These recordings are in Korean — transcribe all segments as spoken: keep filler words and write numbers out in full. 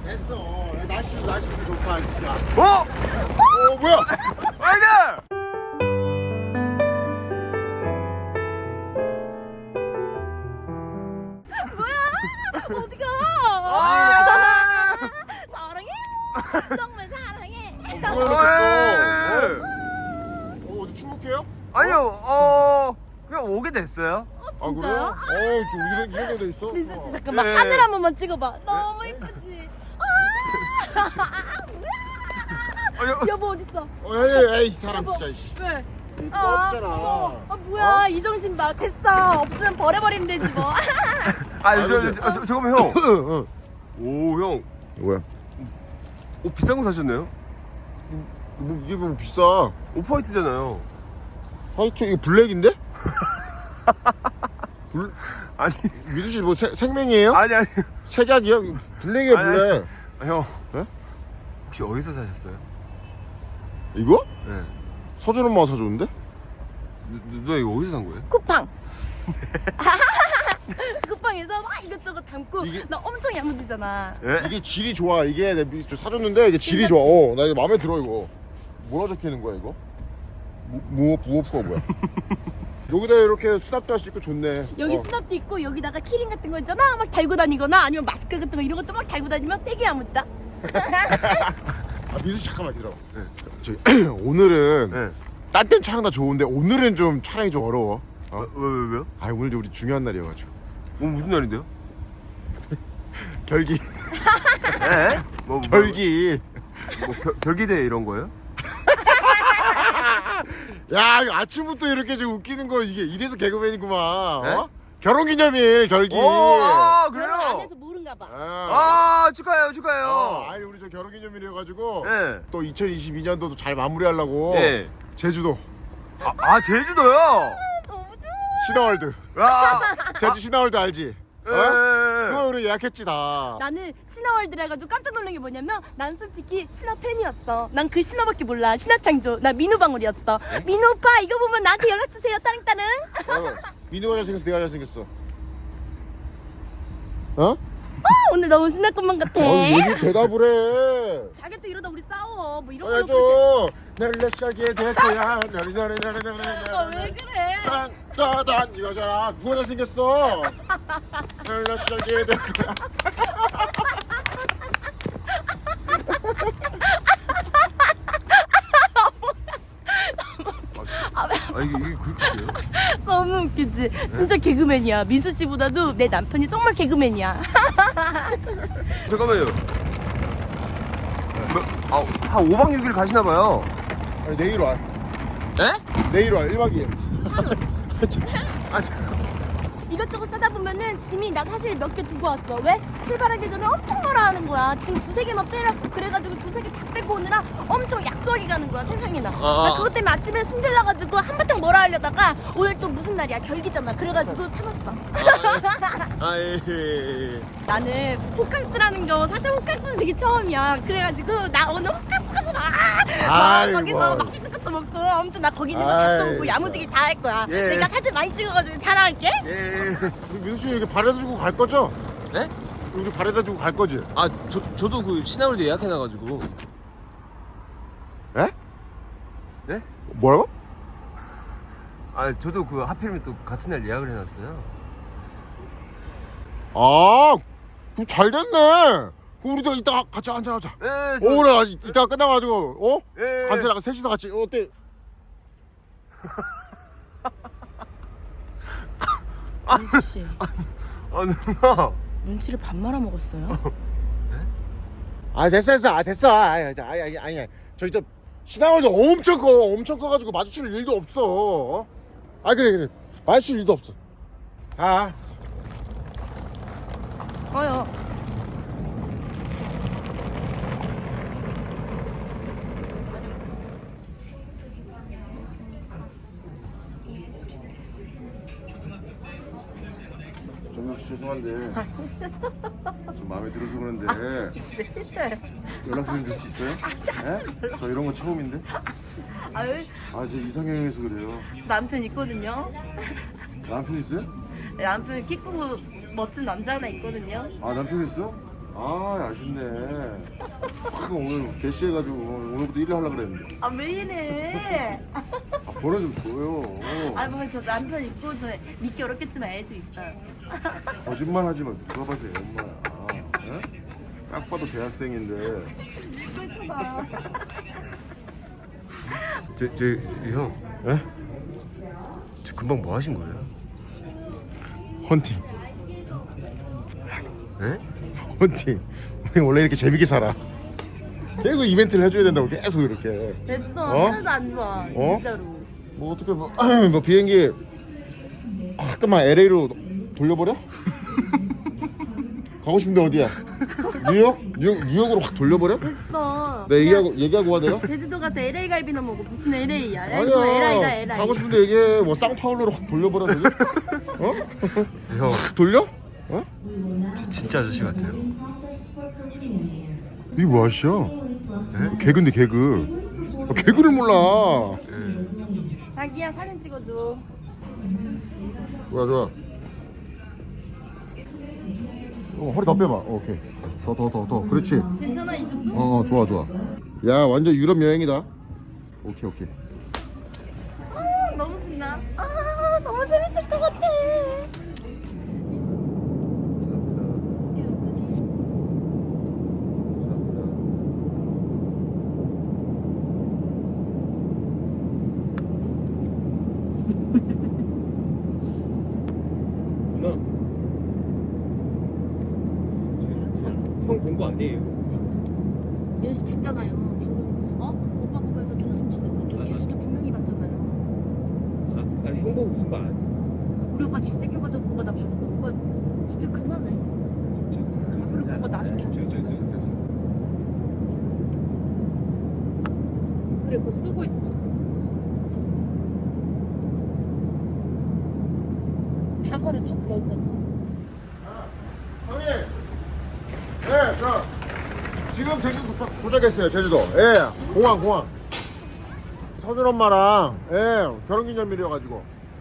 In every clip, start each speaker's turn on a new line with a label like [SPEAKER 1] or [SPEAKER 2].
[SPEAKER 1] 됐어. 날씨도 날씨도 좋다 진짜.
[SPEAKER 2] 어?
[SPEAKER 1] 어 뭐야?
[SPEAKER 2] 아이들!
[SPEAKER 3] 어디가?
[SPEAKER 2] 아!
[SPEAKER 3] 사랑해. 정말 사랑해.
[SPEAKER 1] 뭐야 이랬어? 어 어디 출국해요?
[SPEAKER 2] 아니요, 어, 그냥 오게 됐어요.
[SPEAKER 3] 어, 진짜요?
[SPEAKER 1] 아 그래요? 어좀 이런 이런 데 있어?
[SPEAKER 3] 민수 씨 잠깐만
[SPEAKER 2] 네.
[SPEAKER 3] 하늘 한 번만 찍어봐. 너무 이쁘지? 아,
[SPEAKER 2] 아니요.
[SPEAKER 3] 여보 어딨어?
[SPEAKER 1] 어 에이 에이 이 사람
[SPEAKER 3] 여보.
[SPEAKER 1] 진짜 씨.
[SPEAKER 3] 왜?
[SPEAKER 1] 또 없잖아.
[SPEAKER 3] 아 뭐야 이 정신 봐. 됐어. 없으면 버려버리면 되지 뭐.
[SPEAKER 2] 아, 저, 저, 저, 저, 잠깐만, 형.
[SPEAKER 1] 응.
[SPEAKER 2] 오, 형.
[SPEAKER 1] 뭐야?
[SPEAKER 2] 옷 비싼 거 사셨네요?
[SPEAKER 1] 뭐 이게 뭐 비싸?
[SPEAKER 2] 오프화이트잖아요.
[SPEAKER 1] 화이트 이거 블랙인데? 블
[SPEAKER 2] 아니,
[SPEAKER 1] 미수 씨뭐 생맹이에요?
[SPEAKER 2] 아니, 아니.
[SPEAKER 1] 색약이요? 블랙이야
[SPEAKER 2] 아니,
[SPEAKER 1] 블랙.
[SPEAKER 2] 아, 형.
[SPEAKER 1] 네?
[SPEAKER 2] 혹시 어디서 사셨어요?
[SPEAKER 1] 이거?
[SPEAKER 2] 네.
[SPEAKER 1] 서준 엄마가 사줬는데?
[SPEAKER 2] 누, 누가 이거 어디서 산 거예요?
[SPEAKER 3] 쿠팡. 쿠팡에서 막 이것저것 담고
[SPEAKER 1] 이게-
[SPEAKER 3] 나 엄청 야무지잖아.
[SPEAKER 2] 예?
[SPEAKER 1] 이게 질이 좋아. 이게 내가 미- 저 사줬는데 이게 질이 좋아. 어, 나 이거 마음에 들어 이거. 뭐라 적혀 있는 거야 이거? 무 부어프가 뭐야? 여기다 이렇게 수납도 할 수 있고 좋네.
[SPEAKER 3] 여기
[SPEAKER 1] 어.
[SPEAKER 3] 수납도 있고 여기다가 키링 같은 거 있잖아 막 달고 다니거나 아니면 마스크 같은 거 이런 것도 막 달고 다니면 되게 야무지다.
[SPEAKER 1] 아 미수 씨 잠깐만 기다려.
[SPEAKER 2] 네.
[SPEAKER 1] 저기 오늘은
[SPEAKER 2] 네.
[SPEAKER 1] 딴 땐 촬영 다 좋은데 오늘은 좀 촬영이 좀 어려워. 어?
[SPEAKER 2] 어, 왜, 왜, 왜요?
[SPEAKER 1] 아 오늘 좀 우리 중요한 날이어가지고.
[SPEAKER 2] 뭐, 무슨 날인데요?
[SPEAKER 1] 결기.
[SPEAKER 2] 예? 뭐, 뭐,
[SPEAKER 1] 결기.
[SPEAKER 2] 뭐, 겨, 결기대 이런 거예요?
[SPEAKER 1] 야 이거 아침부터 이렇게 좀 웃기는 거 이게 이래서 개그맨이구만.
[SPEAKER 2] 네?
[SPEAKER 1] 어? 결혼기념일 결기.
[SPEAKER 2] 오, 아,
[SPEAKER 3] 결혼 안
[SPEAKER 2] 그래요?
[SPEAKER 3] 해서 모른가 봐.
[SPEAKER 1] 아,
[SPEAKER 2] 아, 축하해요, 축하해요.
[SPEAKER 1] 어, 아니 우리 저 결혼기념일이어가지고
[SPEAKER 2] 예.
[SPEAKER 1] 또 이천이십이 년도도 잘 마무리하려고
[SPEAKER 2] 예.
[SPEAKER 1] 제주도
[SPEAKER 2] 아, 아, 제주도요?
[SPEAKER 3] 너무 좋아.
[SPEAKER 1] 신화월드.
[SPEAKER 2] 아,
[SPEAKER 1] 제주 신화월드 알지?
[SPEAKER 2] 예.
[SPEAKER 1] 어? 그거 우리 예약했지 다.
[SPEAKER 3] 나는 신화월드라 해가지고 깜짝 놀란 게 뭐냐면 난 솔직히 신화 팬이었어. 난 그 신화밖에 몰라. 신화창조. 나 민우방울이었어. 민우 오빠 이거 보면 나한테 연락 주세요. 따릉따릉.
[SPEAKER 1] 어, 민우가 잘생겼어 내가 잘생겼어. 어?
[SPEAKER 3] 아, 오늘 너무 신날 것만 같아.
[SPEAKER 1] 어, 얘기 대답을 해.
[SPEAKER 3] 자기 또 이러다 우리 싸워. 뭐 이런
[SPEAKER 1] 어,
[SPEAKER 3] 거.
[SPEAKER 1] 좀 나를 시작이 될 거야. 나를 나를 나를 나를
[SPEAKER 3] 아, 왜 그래?
[SPEAKER 1] 딴따단 이거잖아. 누가 잘생겼어? 나를 시작이 될 거야.
[SPEAKER 2] 아, 이게, 이게 그렇게 돼요?
[SPEAKER 3] 너무 웃기지. 진짜 개그맨이야. 민수 씨보다도 내 남편이 정말 개그맨이야.
[SPEAKER 2] 잠깐만요. 뭐, 아, 한 오 박 육 일 가시나봐요.
[SPEAKER 1] 아니 내일 와.
[SPEAKER 2] 에?
[SPEAKER 1] 내일 와. 일 박 이 일.
[SPEAKER 2] 아, 참.
[SPEAKER 3] 이것저것 싸다 보면은 짐이 나 사실 몇 개 두고 왔어. 왜? 출발하기 전에 엄청 뭐라 하는 거야. 짐 두세 개만 빼라고. 그래가지고 두세 개 다 빼고 오느라 엄청 약소하게 가는 거야. 세상에나.
[SPEAKER 2] 아.
[SPEAKER 3] 나 그것 때문에 아침에 승질나가지고 한바탕 뭐라 하려다가 오늘 또 무슨 날이야. 결기잖아. 그래가지고 참았어.
[SPEAKER 2] 아, 예, 예, 예.
[SPEAKER 3] 나는 호캉스라는 거 사실 호캉스는 되게 처음이야. 그래가지고 나 오늘 호캉스 가서 막, 막
[SPEAKER 1] 아이고.
[SPEAKER 3] 거기서 맛있는 것도 먹고 엄청 나 거기 있는 거 다
[SPEAKER 1] 아이,
[SPEAKER 3] 써보고 야무지게 다 할 거야.
[SPEAKER 2] 예.
[SPEAKER 3] 내가 사진 많이 찍어가지고 자랑할게.
[SPEAKER 2] 예.
[SPEAKER 1] 우리 민수 씨 이렇게 바래다 주고 갈 거죠?
[SPEAKER 2] 네?
[SPEAKER 1] 우리 바래다 주고 갈 거지?
[SPEAKER 2] 아, 저, 저도 그 신화월드 예약해놔가지고.
[SPEAKER 1] 에?
[SPEAKER 2] 네?
[SPEAKER 1] 뭐라고?
[SPEAKER 2] 아, 저도 그 하필이면 또 같은 날 예약을 해놨어요.
[SPEAKER 1] 아, 그럼 잘 됐네. 그럼 우리도 이따 같이 한잔하자.
[SPEAKER 2] 예, 저,
[SPEAKER 1] 어, 그래. 아직 이따 끝나가지고, 어?
[SPEAKER 2] 예.
[SPEAKER 1] 같이 나가, 셋이서 같이. 어, 어때?
[SPEAKER 3] 민수 씨
[SPEAKER 2] 아, 누나.
[SPEAKER 3] 눈치를 반 말아 먹었어요?
[SPEAKER 1] 아, 됐어, 됐어. 아, 됐어. 아니, 아니, 아니, 아니, 아니. 저기 저 신화월드 엄청 커. 엄청 커가지고 마주칠 일도 없어. 어? 아, 그래, 그래. 마주칠 일도 없어. 아.
[SPEAKER 3] 어요.
[SPEAKER 1] 정영 씨 죄송한데 좀 마음에 들어서 그런데
[SPEAKER 3] 실수요.
[SPEAKER 1] 연락 좀 줄 수 있어요? 네? 저 이런 거 처음인데.
[SPEAKER 3] 아유
[SPEAKER 1] 아, 저 이상형에서 그래요.
[SPEAKER 3] 남편 있거든요.
[SPEAKER 1] 남편 있어요?
[SPEAKER 3] 남편 키 크고 멋진 남자 하나 있거든요.
[SPEAKER 1] 아, 남편 있어? 아 아쉽네. 아, 오늘 개시해가지고 오늘부터 일을 하려고 그랬는데.
[SPEAKER 3] 아 왜 이래?
[SPEAKER 1] 아 번호 좀 줘요.
[SPEAKER 3] 아 뭐 저 남편 있고도 믿기 어렵겠지만 애도 있어요.
[SPEAKER 1] 거짓말 하지 마. 누가 봐서 애 엄마야. 에? 딱 봐도 대학생인데.
[SPEAKER 3] 그렇구나.
[SPEAKER 2] 저, 저, 형.
[SPEAKER 1] 에?
[SPEAKER 2] 저 금방 뭐 하신 거예요?
[SPEAKER 1] 헌팅.
[SPEAKER 2] 예?
[SPEAKER 1] 헌팅. 우리 원래 이렇게 재밌게 살아. 계속 이벤트를 해줘야 된다고 계속 이렇게.
[SPEAKER 3] 됐어.
[SPEAKER 1] 어?
[SPEAKER 3] 하나도 안 좋아.
[SPEAKER 1] 어?
[SPEAKER 3] 진짜로.
[SPEAKER 1] 뭐 어떻게 뭐, 뭐 비행기 아, 잠깐만 엘에이로 돌려버려? 가고 싶은데 어디야? 뉴욕? 뉴욕 뉴욕으로 확 돌려버려?
[SPEAKER 3] 됐어.
[SPEAKER 1] 내 얘기하고 얘기하고 와대요?
[SPEAKER 3] 제주도 가서 엘에이 갈비나 먹어. 무슨 엘에이야? 야 이거 엘아이다 엘아이.
[SPEAKER 1] 가고 싶은데 얘기해. 뭐 쌍파울로로 확 돌려버려 되지? 어?
[SPEAKER 2] 형,
[SPEAKER 1] 돌려? 어?
[SPEAKER 2] 저 진짜 아저씨 같아요.
[SPEAKER 1] 이게 뭐 아저씨야?
[SPEAKER 2] 예?
[SPEAKER 1] 개그인데 개그. 아, 개그를 몰라.
[SPEAKER 2] 예.
[SPEAKER 3] 자기야 사진 찍어줘.
[SPEAKER 1] 좋아 좋아. 어, 허리 더 빼봐. 어, 오케이. 더 더 더 더. 그렇지.
[SPEAKER 3] 괜찮아 이 정도?
[SPEAKER 1] 어, 어 좋아 좋아. 야 완전 유럽 여행이다. 오케이 오케이.
[SPEAKER 3] 아 너무 신나. 아 너무 재밌을 것 같아.
[SPEAKER 2] 누나. 형 본 거 아니에요?
[SPEAKER 3] 민우 씨 봤잖아요. 방금 어? 오빠 보면서 눈웃음 치는 거. 규수도 분명히 봤잖아요.
[SPEAKER 2] 아, 나 형 보고 웃은 거 아니야?
[SPEAKER 3] 우리 오빠 잘생겨가지고 그거 나 봤어. 오빠 진짜 그만해. 앞으로 그거 나 시켜.
[SPEAKER 2] 됐어, 됐어.
[SPEAKER 3] 그래 그거 쓰고 있어. 다거를 턱 넣을 거지.
[SPEAKER 1] 형님. 예, 저 지금 제주도 도착, 도착했어요. 제주도. 예, 공항 공항. 서준 엄마랑 예 결혼기념일이어가지고.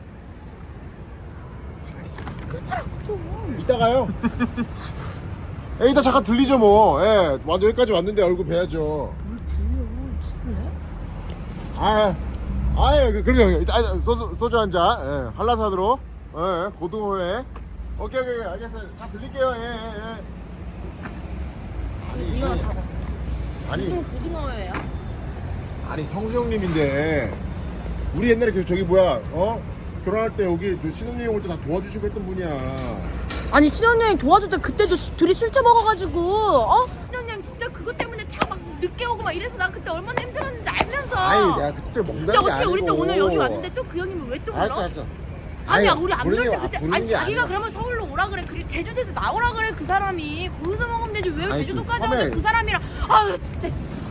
[SPEAKER 3] 좀.
[SPEAKER 1] 이따가요. 예, 이따 잠깐 들리죠 뭐. 예, 완 여기까지 왔는데 얼굴 뵈야죠.
[SPEAKER 3] 뭘 들려? 죽을래?
[SPEAKER 1] 아, 아, 그 그럼요. 이따 아, 소주 소주 한 잔. 예, 한라산으로. 예, 고등어회. 오케이 오케이 알겠어요. 자 들릴게요. 예, 예, 예. 아니,
[SPEAKER 3] 이거 잡아.
[SPEAKER 1] 아니,
[SPEAKER 3] 무슨 고등어예요?
[SPEAKER 1] 아니 성수형님인데 우리 옛날에 그 저기 뭐야, 어? 결혼할 때 여기 저 신혼여행 올 때 다 도와주시고 했던 분이야.
[SPEAKER 3] 아니 신혼여행 도와줄 때 그때도 수- 둘이 술 처먹어가지고 어? 신혼여행 진짜 그것 때문에 차 막 늦게 오고 막 이래서 난 그때 얼마나 힘들었는지 알면서.
[SPEAKER 1] 아이, 내가 그때 먹는다는
[SPEAKER 3] 근데
[SPEAKER 1] 게
[SPEAKER 3] 어떻게
[SPEAKER 1] 아니고.
[SPEAKER 3] 우리 또 오늘 여기 왔는데 또 그 형님은 왜 또 불러?
[SPEAKER 1] 알았어, 알았어.
[SPEAKER 3] 아니야
[SPEAKER 1] 아니,
[SPEAKER 3] 우리 안
[SPEAKER 1] 부르는
[SPEAKER 3] 그럴 때
[SPEAKER 1] 게-
[SPEAKER 3] 그때
[SPEAKER 1] 부르는
[SPEAKER 3] 아니
[SPEAKER 1] 게
[SPEAKER 3] 자기가
[SPEAKER 1] 아니야.
[SPEAKER 3] 그러면 서울로 오라 그래. 그 제주도에서 나오라 그래 그 사람이. 거기서 먹으면 되지 왜
[SPEAKER 1] 아니,
[SPEAKER 3] 제주도까지
[SPEAKER 1] 그
[SPEAKER 3] 와서
[SPEAKER 1] 섬에-
[SPEAKER 3] 그 사람이랑. 아유 진짜 씨.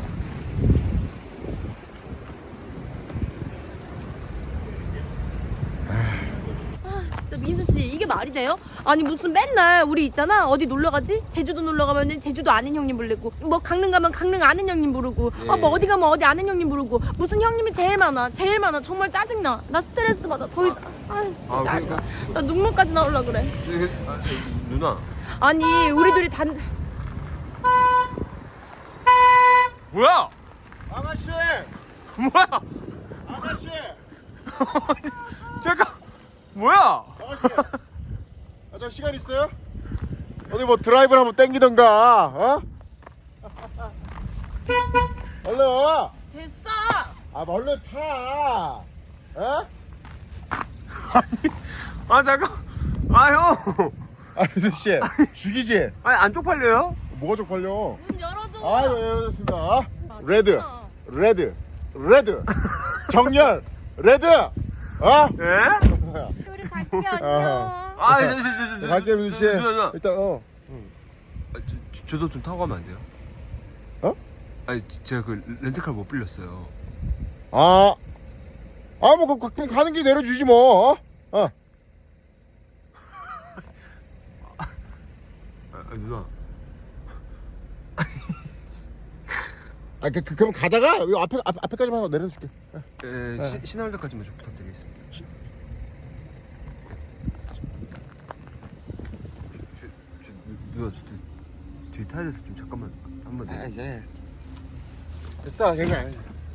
[SPEAKER 3] 진짜 민수 씨 이게 말이 돼요? 아니 무슨 맨날 우리 있잖아 어디 놀러 가지? 제주도 놀러 가면은 제주도 아는 형님 부르고 뭐 강릉 가면 강릉 아는 형님 부르고
[SPEAKER 2] 예.
[SPEAKER 3] 아 뭐 어디 가면 어디 아는 형님 부르고 무슨 형님이 제일 많아 제일 많아 정말 짜증나 나 스트레스 받아 더 이상 아 진짜
[SPEAKER 2] 아,
[SPEAKER 3] 짜증나
[SPEAKER 2] 그러니까.
[SPEAKER 3] 나 눈물까지 나올라 그래
[SPEAKER 2] 이게, 아, 누나.
[SPEAKER 3] 아니 우리 둘이 단
[SPEAKER 2] 뭐야?
[SPEAKER 1] 아가씨,
[SPEAKER 2] 뭐야?
[SPEAKER 1] 아가씨,
[SPEAKER 2] 잠깐. 뭐야?
[SPEAKER 1] 아가씨. 아, 저 시간 있어요? 어디 뭐 드라이브를 한번 땡기던가, 어? 얼른 와.
[SPEAKER 3] 됐어
[SPEAKER 1] 아, 얼른 타. 어?
[SPEAKER 2] 아, 잠깐. 아, 형.
[SPEAKER 1] 아, 민수 씨, 죽이지?
[SPEAKER 2] 아니, 안 쪽팔려요?
[SPEAKER 1] 뭐가 쪽팔려?
[SPEAKER 3] 문 열어줘
[SPEAKER 1] 아, 예, 열었습니다.
[SPEAKER 3] 진짜.
[SPEAKER 1] 레드, 레드, 레드, 정렬, 레드. 어?
[SPEAKER 2] 예?
[SPEAKER 3] 우리 갈게 안녕
[SPEAKER 1] 아.
[SPEAKER 2] 아, 저, 저, 저, 저,
[SPEAKER 1] 갈게 민수 씨.
[SPEAKER 2] 누나, 누나.
[SPEAKER 1] 일단 어.
[SPEAKER 2] 아, 저, 저, 저도 좀 타고 가면 안 돼요?
[SPEAKER 1] 어?
[SPEAKER 2] 아니, 제가 그 렌트카 못 빌렸어요.
[SPEAKER 1] 아, 아, 뭐, 그, 그냥 가는 길 내려주지 뭐. 어? 어.
[SPEAKER 2] 아, 아, 누나.
[SPEAKER 1] 아, 그, 그, 그럼 가다가 여기 앞에 앞, 앞에까지만 내려줄게.
[SPEAKER 2] 예, 시, 신월대까지만 좀 부탁드리겠습니다. 저, 저, 저, 누나, 저, 뒤 타야돼서 좀 잠깐만 한번
[SPEAKER 1] 아,
[SPEAKER 2] 내.
[SPEAKER 1] 예. 됐어, 그냥.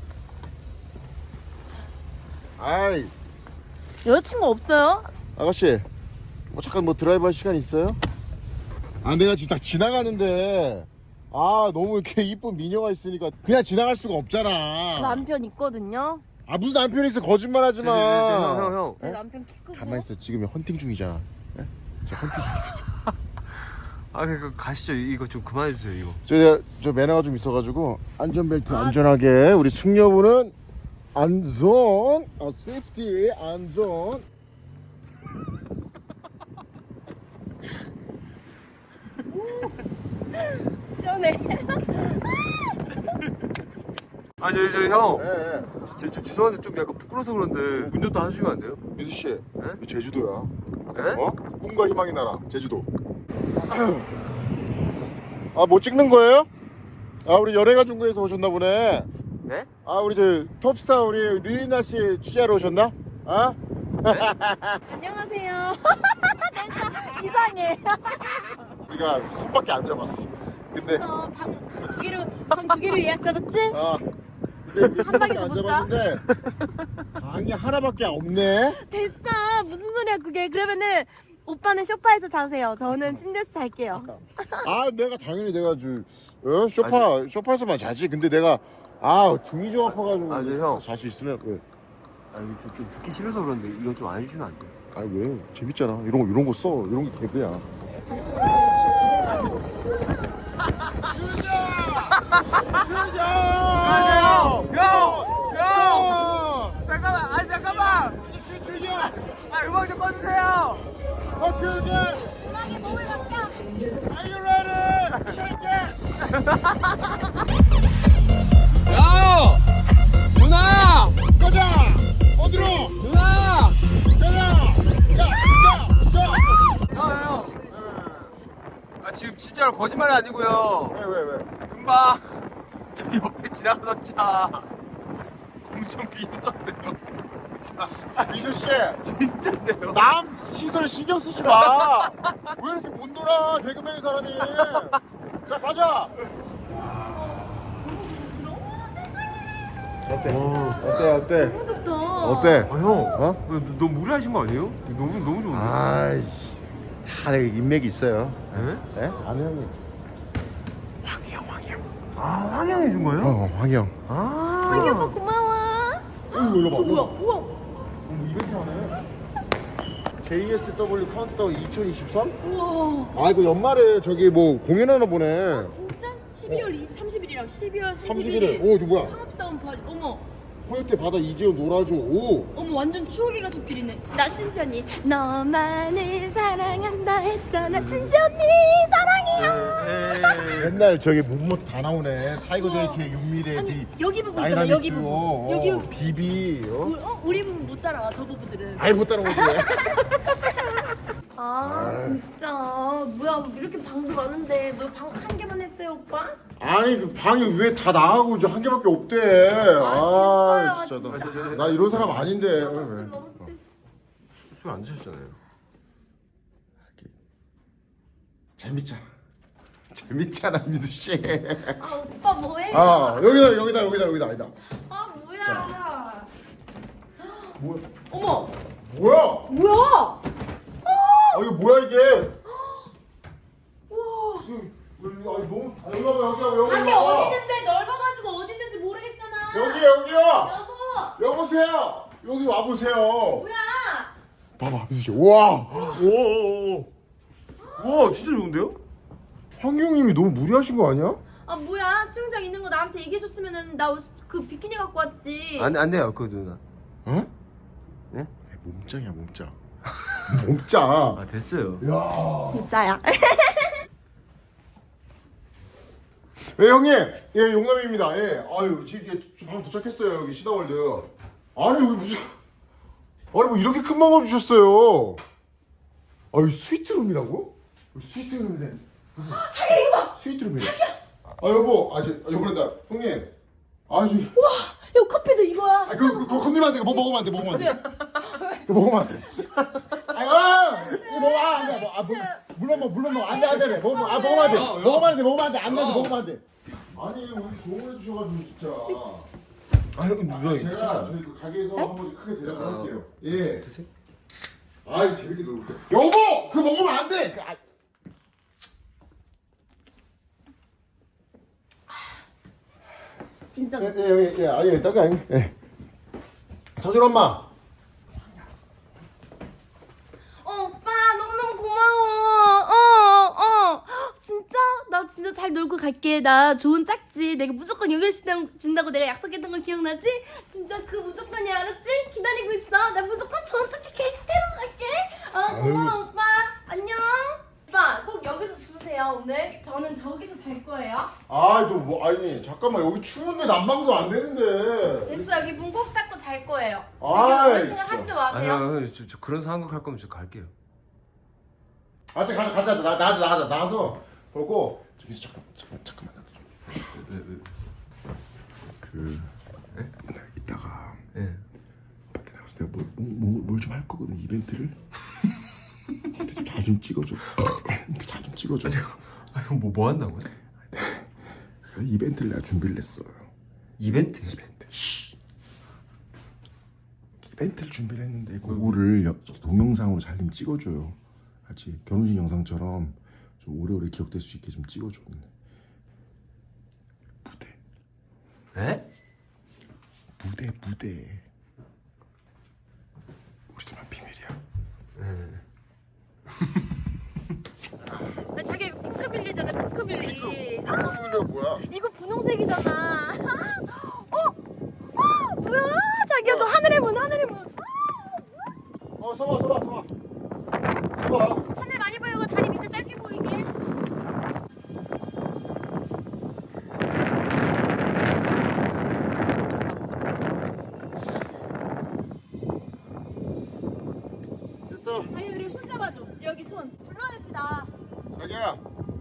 [SPEAKER 1] 아이,
[SPEAKER 3] 여자친구 없어요?
[SPEAKER 1] 아가씨, 뭐 잠깐 뭐 드라이브 할 시간 있어요? 아, 내가 지금 딱 지나가는데, 아, 너무 이렇게 이쁜 미녀가 있으니까 그냥 지나갈 수가 없잖아.
[SPEAKER 3] 남편 있거든요.
[SPEAKER 1] 아, 무슨 남편이 있어? 거짓말 하지 마.
[SPEAKER 2] 형, 형, 형.
[SPEAKER 3] 제 남편 키 크고.
[SPEAKER 1] 가만 있어. 지금 헌팅 중이잖아. 예? 저 헌팅 중이었어.
[SPEAKER 2] 아, 그러니까 가시죠. 이거 좀 그만해 주세요. 이거.
[SPEAKER 1] 저, 저 매너가 좀 있어가지고 안전벨트 안전하게 우리 숙녀분은 안전, 어, 세이프티 안전.
[SPEAKER 3] 시원해.
[SPEAKER 2] 아, 저, 저 형.
[SPEAKER 1] 예, 예.
[SPEAKER 2] 저, 저 죄송한데 좀 약간 부끄러워서 그런데 운전도 해주시면 안 돼요?
[SPEAKER 1] 민수 씨, 이 제주도야.
[SPEAKER 2] 예?
[SPEAKER 1] 어? 꿈과 희망의 나라, 제주도. 아, 뭐 찍는 거예요? 아, 우리 연예가 중국에서 오셨나 보네.
[SPEAKER 2] 네?
[SPEAKER 1] 아, 우리 저 톱스타 우리 류이나 씨 취재하러 오셨나? 아?
[SPEAKER 3] 안녕하세요. 진짜 이상해.
[SPEAKER 1] 우리가 손밖에 안 잡았어. 근데
[SPEAKER 3] 어, 방두 개로 방 두 개로 예약 잡았지?
[SPEAKER 1] 아, 근데 우리 손밖에
[SPEAKER 3] 방에서
[SPEAKER 1] 안
[SPEAKER 3] 못 자?
[SPEAKER 1] 잡았는데 방이 하나밖에 없네.
[SPEAKER 3] 됐어. 무슨 소리야 그게? 그러면은 오빠는 소파에서 자세요. 저는 침대에서 잘게요.
[SPEAKER 1] 아, 내가 당연히 내가 저 어? 소파 소파에서만 자지. 근데 내가 아 등이 좀 아파가지고
[SPEAKER 2] 아, 저 형.
[SPEAKER 1] 잘 수 있으면 왜?
[SPEAKER 2] 아, 이거 좀, 좀 듣기 싫어서 그런데 이건 좀 안 해주시면 안 돼요?
[SPEAKER 1] 아, 왜? 재밌잖아. 이런 거 이런 거 써. 이런 게 개그야.
[SPEAKER 2] 형! 형! 형! 잠깐만! 아, 잠깐만! 아, 음악 좀 꺼주세요!
[SPEAKER 3] 음악에 몸을 맡겨.
[SPEAKER 1] Are you ready? Shake it.
[SPEAKER 2] 야! 누나!
[SPEAKER 1] 가자. 어디로?
[SPEAKER 2] 누나!
[SPEAKER 1] 가자. 야, 야, 야.
[SPEAKER 2] 형, 형! 아, 지금 진짜로 거짓말이 아니고요.
[SPEAKER 1] 왜, 왜, 왜?
[SPEAKER 2] 금방 저 옆에 지나가던 차 엄청 비웃던데요.
[SPEAKER 1] 민수 씨,
[SPEAKER 2] 진짜인데요.
[SPEAKER 1] 남 시설 신경 쓰지 마. 왜 이렇게 못 놀아? 개그맨 사람이. 자, 가자. 어때? 어때? 어때?
[SPEAKER 3] 너무 좋다.
[SPEAKER 1] 어때?
[SPEAKER 2] 아, 형.
[SPEAKER 1] 어?
[SPEAKER 2] 너, 너 무리하신 거 아니에요? 너무 너무 좋은데.
[SPEAKER 1] 아이, 다 내가 인맥이 있어요.
[SPEAKER 2] 예?
[SPEAKER 1] 예? 아는 형님. 황형, 황형.
[SPEAKER 2] 아, 황양 해준 거예요?
[SPEAKER 1] 어, 황형.
[SPEAKER 2] 아.
[SPEAKER 3] 아기 오빠 고마워.
[SPEAKER 1] 어, 일로 봐.
[SPEAKER 3] 저 뭐야? 우와.
[SPEAKER 1] 어, 이벤트 하네. 제이에스더블유 카운트다운 이천이십삼?
[SPEAKER 3] 우와.
[SPEAKER 1] 아, 이거 연말에 저기 뭐 공연하나 보네.
[SPEAKER 3] 진짜? 십이월 삼십 일이랑 십이월
[SPEAKER 1] 삼십
[SPEAKER 3] 삼십
[SPEAKER 1] 일에.
[SPEAKER 3] 일에
[SPEAKER 1] 오, 저 뭐야?
[SPEAKER 3] 카운트다운 파 어머.
[SPEAKER 1] 허옇게 바다 이재훈 놀아줘. 오.
[SPEAKER 3] 어머 완전 추억의 가족끼리네. 나 신지언니 너만을 사랑한다 했잖아. 신지언니 사랑해요.
[SPEAKER 1] 옛날 저기 무브먼트 다 나오네. 타이거
[SPEAKER 3] 우와.
[SPEAKER 1] 제이케이, 윤미래,
[SPEAKER 3] 아니
[SPEAKER 1] 비,
[SPEAKER 3] 여기 부분 있잖아. 여기
[SPEAKER 1] 다이나믹
[SPEAKER 3] 부분.
[SPEAKER 1] 듀오,
[SPEAKER 3] 여기
[SPEAKER 1] 어,
[SPEAKER 3] 부분.
[SPEAKER 1] 비비. 어?
[SPEAKER 3] 우리, 어? 우리 부분 못 따라와. 저 부부들은.
[SPEAKER 1] 아이 못 따라오지.
[SPEAKER 3] 아 진짜 뭐야 이렇게 방도 많은데 뭐 방 한 개만 했어요 오빠?
[SPEAKER 1] 아니 그 방이 왜 다 나가고 이제 한 개밖에 없대. 아,
[SPEAKER 3] 됐어요,
[SPEAKER 1] 진짜 나,
[SPEAKER 2] 진짜.
[SPEAKER 1] 나 이런 사람 아닌데. 왜, 왜.
[SPEAKER 3] 술 너무 취.
[SPEAKER 2] 술 안 드셨잖아요.
[SPEAKER 1] 재밌잖아. 재밌잖아 민수 씨.
[SPEAKER 3] 아 오빠 뭐해?
[SPEAKER 1] 아 여기다 여기다 여기다 여기다 아니다.
[SPEAKER 3] 아 뭐야?
[SPEAKER 1] 뭐야?
[SPEAKER 3] 어머
[SPEAKER 1] 뭐야?
[SPEAKER 3] 뭐야?
[SPEAKER 1] 아 이거 뭐야 이게?
[SPEAKER 3] 우와.
[SPEAKER 1] 이거, 이거, 아니 너무 아, 여기 와봐 여기 와봐 여기
[SPEAKER 3] 방이
[SPEAKER 1] 와봐.
[SPEAKER 3] 어디 있는데 넓어가지고 어디 있는지 모르겠잖아.
[SPEAKER 1] 여기 여기요.
[SPEAKER 3] 여보
[SPEAKER 1] 여보세요. 여기 와 보세요.
[SPEAKER 3] 뭐야?
[SPEAKER 1] 봐봐 민수 씨. 우와.
[SPEAKER 2] 오오오. 와, 진짜 좋은데요?
[SPEAKER 1] 황경님이 너무 무리하신 거 아니야?
[SPEAKER 3] 아 뭐야 수영장 있는 거 나한테 얘기해줬으면은 나 그 비키니 갖고 왔지.
[SPEAKER 2] 안, 안 돼요, 그 누나.
[SPEAKER 1] 어?
[SPEAKER 2] 네?
[SPEAKER 1] 몸짱이야 몸짱. 몸짱.
[SPEAKER 2] 아, 됐어요.
[SPEAKER 1] 야.
[SPEAKER 3] 진짜야.
[SPEAKER 1] 예 형님. 예 용남입니다. 예. 아유 지금 예, 바로 도착했어요 여기 시다월드. 아니 여기 무슨 아니 뭐 이렇게 큰 방을 주셨어요. 아유 스위트룸이라고? 스위트룸인데.
[SPEAKER 3] 자기야 이거 봐.
[SPEAKER 1] 스위트룸이래. 아 여보, 아 저 여보란다 형님. 아 저기.
[SPEAKER 3] 와 이거 커피도 이거야.
[SPEAKER 1] 아, 그, 그, 그 건드리면 안 돼. 뭐 먹으면 안 돼. 먹으면 안 돼. 그거 먹으면 안 돼. 아이고! 아 이거 먹어 아 안돼 뭐, 아 물- 물론 뭐 물론 뭐 안돼 안돼 그래 먹으면 아 먹으면 안돼 먹으면 안돼 먹으면 안돼 안돼 먹으면 안돼 아니 오늘 조언해 주셔가지고 진짜
[SPEAKER 2] 아유 누나
[SPEAKER 1] 제가 저희 그 가게에서 한 번 크게 대답을
[SPEAKER 2] 어.
[SPEAKER 1] 할게요 예
[SPEAKER 2] 드세요?
[SPEAKER 1] 아이 재밌게 놀게 여보 그거 먹으면 안돼 그, 아,
[SPEAKER 3] 진짜.
[SPEAKER 1] 예, 예, 예, 예, 아니, 딱이 아니, 예. 서준 엄마.
[SPEAKER 3] 어, 오빠 너무너무 고마워. 어, 어. 진짜? 나 진짜 잘 놀고 갈게. 나 좋은 짝지. 내가 무조건 여기를 준다고 내가 약속했던 거 기억나지? 진짜 그 무조건이야, 알았지? 기다리고 있어. 나 무조건 좋은 짝지 케이크 태우러 갈게. 어, 고마워, 오빠. 안녕. 오빠, 꼭 여기서 주무세요, 오늘. 저는 저기서 잘 거예요.
[SPEAKER 1] 아이, 너 뭐, 아니, 잠깐만, 여기 추운데 난방도 안 되는데.
[SPEAKER 3] 됐어, 여기 문 꼭 닫고 잘 거예요.
[SPEAKER 1] 아이,
[SPEAKER 3] 그럴 생각 하지도 마세요.
[SPEAKER 2] 아니요 저, 저 그런 상황극 할 거면 저 갈게요.
[SPEAKER 1] 아, 가, 가자, 나, 나, 나, 나가서 보고. 저기서 잠깐, 잠깐, 잠깐만.
[SPEAKER 2] 왜, 왜,
[SPEAKER 1] 그, 나 이따가
[SPEAKER 2] 예.
[SPEAKER 1] 밖에 나가서 내가 뭐, 뭐, 뭘 좀 할 거거든, 이벤트를. 잘 좀 찍어줘. 잘 좀 찍어줘.
[SPEAKER 2] 아, 뭐, 뭐 한다고요?
[SPEAKER 1] 그 이벤트를 내가 준비를 했어.
[SPEAKER 2] 이벤트?
[SPEAKER 1] 이벤트. 이벤트를 준비를 했는데 그거를 여- 동영상으로 잘 좀 찍어줘요. 같이 결혼식 영상처럼 좀 오래오래 기억될 수 있게 좀 찍어줘. 무대,
[SPEAKER 2] 에?
[SPEAKER 1] 무대, 무대. 우리들만 비밀이야.
[SPEAKER 3] 아, 자기 이거 핑크빌리잖아, 핑크빌리. 아,
[SPEAKER 1] 핑크빌리가 뭐야?
[SPEAKER 3] 이거 분홍색이잖아. 어? 어? 뭐야? 자기야, 저 하늘의 문, 하늘의 문.
[SPEAKER 1] 어, 서봐, 서봐, 서봐. 서봐.
[SPEAKER 3] 하늘 많이 보이고 다리 밑에 짧게 보이게.
[SPEAKER 1] 됐어.
[SPEAKER 3] 자기 그리고 손 잡아줘. 여기 손. 불러야지 나.
[SPEAKER 1] 자기야.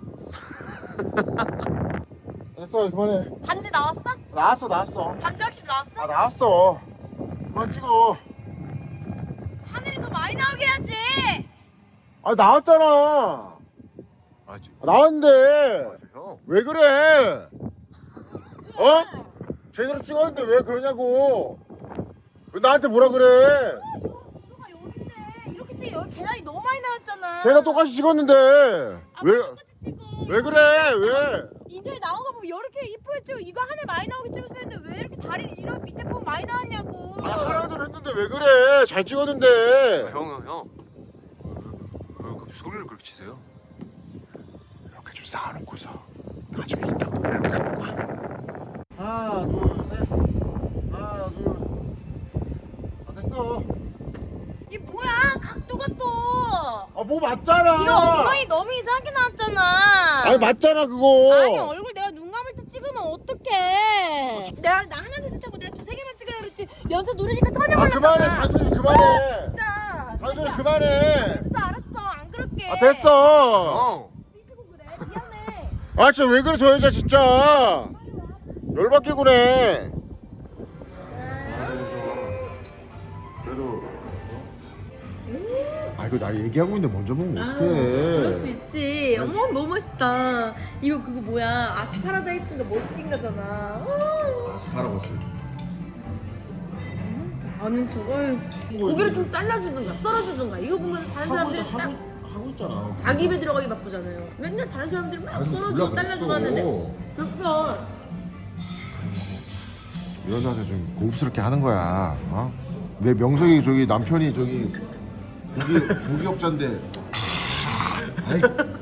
[SPEAKER 1] 됐어, 그만해.
[SPEAKER 3] 반지 나왔어?
[SPEAKER 1] 나왔어, 나왔어.
[SPEAKER 3] 반지 확실히 나왔어?
[SPEAKER 1] 아, 나왔어. 그만 찍어.
[SPEAKER 3] 하늘이 더 많이 나오게 해야지.
[SPEAKER 1] 아, 나왔잖아.
[SPEAKER 2] 아, 저,
[SPEAKER 1] 나왔는데.
[SPEAKER 2] 아, 저 형.
[SPEAKER 1] 왜 그래? 어? 제대로 찍었는데 왜 그러냐고. 왜 나한테 뭐라 그래?
[SPEAKER 3] 너가 여기 있네. 이렇게 찍 여기 계단이 너무 많이 나왔잖아.
[SPEAKER 1] 걔가 똑같이 찍었는데.
[SPEAKER 3] 아,
[SPEAKER 1] 왜,
[SPEAKER 3] 똑같이 찍어.
[SPEAKER 1] 왜 그래? 왜?
[SPEAKER 3] 인터넷 나온 거 보면 이렇게 이쁘게 찍고 이거 하늘 많이 나오게 찍었어야 했는데 왜 이렇게 다리 이런 밑에 보면 많이 나왔냐고.
[SPEAKER 1] 아, 하라고 했는데 왜 그래? 잘 찍었는데.
[SPEAKER 2] 아, 형, 형, 형. 왜, 왜, 왜 소리를 그렇게 치세요?
[SPEAKER 1] 이렇게 좀 쌓아놓고서 나중에 이따가 또 이렇게 할 거야. 하나, 둘, 셋. 하나, 둘, 셋. 아, 됐어.
[SPEAKER 3] 이게 뭐야? 각도가 또.
[SPEAKER 1] 아, 뭐 맞잖아.
[SPEAKER 3] 이거 엉덩이 너무 이상하게 나왔잖아.
[SPEAKER 1] 아니, 맞잖아, 그거.
[SPEAKER 3] 아니 얼굴 내가 눈 감을 때 찍으면 어떡해. 내가 나 하나 둘 셋 하고 내가 두세 개만 찍으라 그랬지. 연속 누르니까 전혀
[SPEAKER 1] 아,
[SPEAKER 3] 몰랐잖아.
[SPEAKER 1] 그만해. 잔소리 그만해.
[SPEAKER 3] 진짜.
[SPEAKER 1] 잔소리 그만해.
[SPEAKER 3] 됐어 알았어 안 그럴게.
[SPEAKER 1] 아, 됐어.
[SPEAKER 2] 형!
[SPEAKER 3] 삐지고 그래 미안해.
[SPEAKER 1] 아, 진짜 왜 그래, 저 여자 진짜. 열받게 그래. 그래도. 아, 이거 나 얘기하고 있는데 먼저 먹으면
[SPEAKER 3] 아, 그럴 수
[SPEAKER 1] 어떡해.
[SPEAKER 3] 있지. 어머 너무 멋있다. 이거 그거 뭐야? 아트 파라다이스인가 멋있긴 거잖아.
[SPEAKER 1] 아스파라거스.
[SPEAKER 3] 아니 저걸 고기를 좀 잘라주든가 썰어주든가. 이거 보면 다른 사람들이 딱
[SPEAKER 1] 하고, 하고 있잖아.
[SPEAKER 3] 자기 입에 들어가기 바쁘잖아요. 맨날 다른 사람들이 막
[SPEAKER 1] 아니,
[SPEAKER 3] 썰어주고
[SPEAKER 1] 몰라,
[SPEAKER 3] 잘라주고
[SPEAKER 1] 그랬어.
[SPEAKER 3] 하는데 됐어.
[SPEAKER 1] 이 여자한테 좀 고급스럽게 하는 거야. 어? 내 명석이 저기 남편이 저기 고기 고기업자인데. 아이.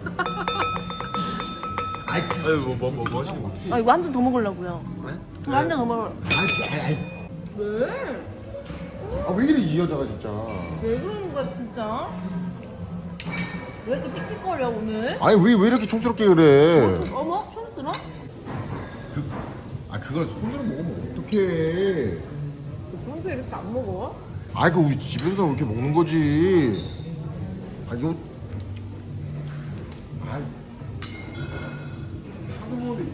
[SPEAKER 1] 아이.
[SPEAKER 2] 아니, 뭐, 뭐, 뭐, 뭐 하시는 거?
[SPEAKER 3] 아 이거 한 잔 더 먹으려고요.
[SPEAKER 2] 네?
[SPEAKER 3] 이거 한 잔 더 먹으려.
[SPEAKER 1] 아이. 아이.
[SPEAKER 3] 왜?
[SPEAKER 1] 아, 왜 이래 이 여자가 진짜.
[SPEAKER 3] 왜 그러는 거야 진짜? 왜 이렇게 삑삑거려 오늘?
[SPEAKER 1] 아니 왜 왜 이렇게 촌스럽게 그래?
[SPEAKER 3] 촌- 어머 촌스러?
[SPEAKER 1] 그, 아 그걸 손으로 먹으면 어떡해.
[SPEAKER 3] 평소에 이렇게 안 먹어?
[SPEAKER 1] 아이 그 우리 집에서 이렇게 먹는 거지. 아 이거. 아이. 사도머리.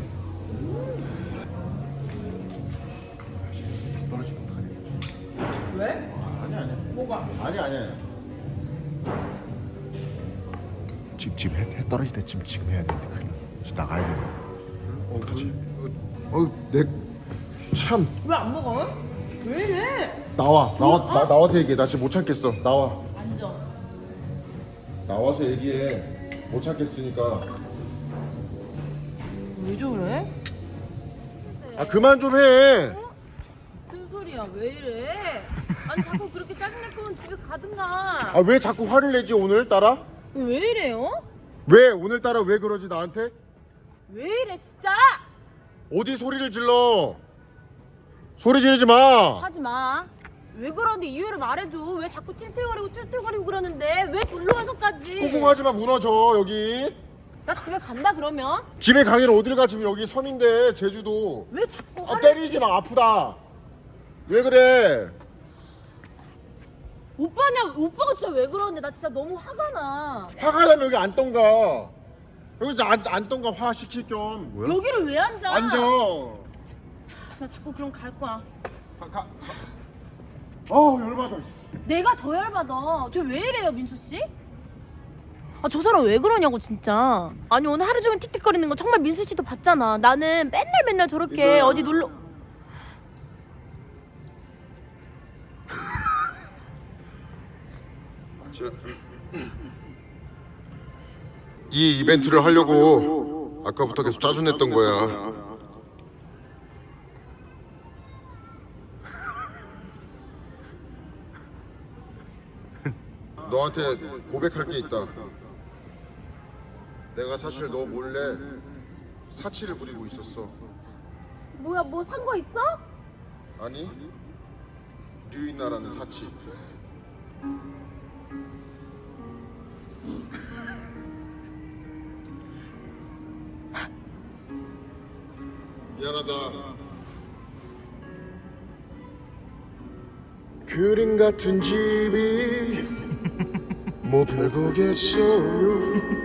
[SPEAKER 1] 떨어지면 어떡하냐.
[SPEAKER 3] 왜?
[SPEAKER 1] 아니 아니.
[SPEAKER 3] 뭐가?
[SPEAKER 1] 아니 아니. 지금 지금 해, 해 떨어질 때 지금 지금 해야 되는데 큰일 나. 지금 나가야 돼. 어떡하지? 어내참
[SPEAKER 3] 왜 안 먹어? 왜 이래?
[SPEAKER 1] 나와 나와 나, 나와서 얘기해. 나 지금 못 참겠어. 나와.
[SPEAKER 3] 앉아.
[SPEAKER 1] 나와서 얘기해. 못 참겠으니까.
[SPEAKER 3] 왜 저래?
[SPEAKER 1] 아 그만 좀 해.
[SPEAKER 3] 무슨 소리야? 왜 이래? 아니 자꾸 그렇게 짜증낼 거면 집에 가든가.
[SPEAKER 1] 아 왜 자꾸 화를 내지 오늘따라?
[SPEAKER 3] 왜 이래요?
[SPEAKER 1] 왜 오늘따라 왜 그러지 나한테?
[SPEAKER 3] 왜 이래 진짜?
[SPEAKER 1] 어디 소리를 질러? 소리 지르지 마.
[SPEAKER 3] 하지 마. 왜 그러는데 이유를 말해줘. 왜 자꾸 틸틸거리고 툴툴거리고 그러는데 왜 불러와서까지?
[SPEAKER 1] 꽁꽁하지 마. 무너져 여기.
[SPEAKER 3] 나 집에 간다 그러면?
[SPEAKER 1] 집에 가기를 어디를 가? 지금 여기 섬인데 제주도.
[SPEAKER 3] 왜 자꾸
[SPEAKER 1] 아
[SPEAKER 3] 화를...
[SPEAKER 1] 때리지 마. 아프다. 왜 그래?
[SPEAKER 3] 오빠냐? 오빠가 진짜 왜 그러는데 나 진짜 너무 화가 나.
[SPEAKER 1] 화가 나면 여기 앉던가. 여기 안, 앉던가 화 시킬 겸.
[SPEAKER 2] 뭐야?
[SPEAKER 3] 여기를 왜 앉아?
[SPEAKER 1] 앉아.
[SPEAKER 3] 나 자꾸 그럼 갈 거야.
[SPEAKER 1] 가, 가, 가. 어 열받아.
[SPEAKER 3] 내가 더 열받아. 저 왜 이래요, 민수 씨? 아, 저 사람 왜 그러냐고 진짜. 아니 오늘 하루 종일 틱틱거리는 거 정말 민수 씨도 봤잖아. 나는 맨날 맨날 저렇게
[SPEAKER 1] 이거-
[SPEAKER 3] 어디 놀러.
[SPEAKER 1] 이 이벤트를 하려고 아까부터 계속 짜증냈던 거야. 너한테 고백할 게 있다. 내가 사실 너 몰래 사치를 부리고 있었어.
[SPEAKER 3] 뭐야, 뭐 산 거 있어?
[SPEAKER 1] 아니, 류인나라는 사치. 미안하다. 그림 같은 집이 뭐 별거겠어요.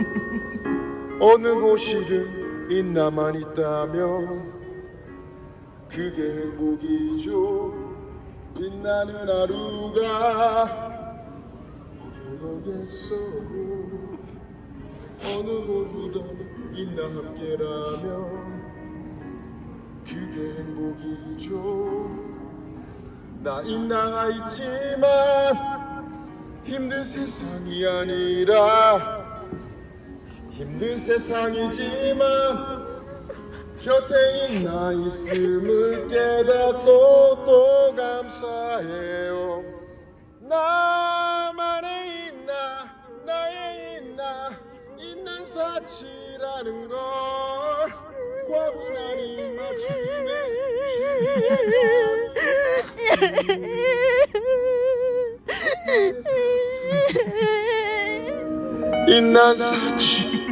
[SPEAKER 1] 어느 곳이든 있나만 있다면 그게 행복이죠. 빛나는 하루가 뭐 별거겠어요. 어느 곳이든 있나 함께라면 그게 행복이죠. 나 있나가 있지만 힘든 세상이 아니라 힘든 세상이지만 곁에 있나 있음을 깨닫고 또 감사해요. 나만의 있나 나의 있나 있는 사치라는 걸 과분한 입맞춤에 인난 사치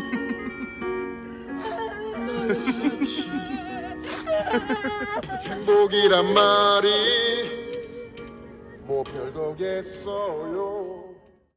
[SPEAKER 1] 나의 사치 행복이란 말이 뭐 별거겠어요.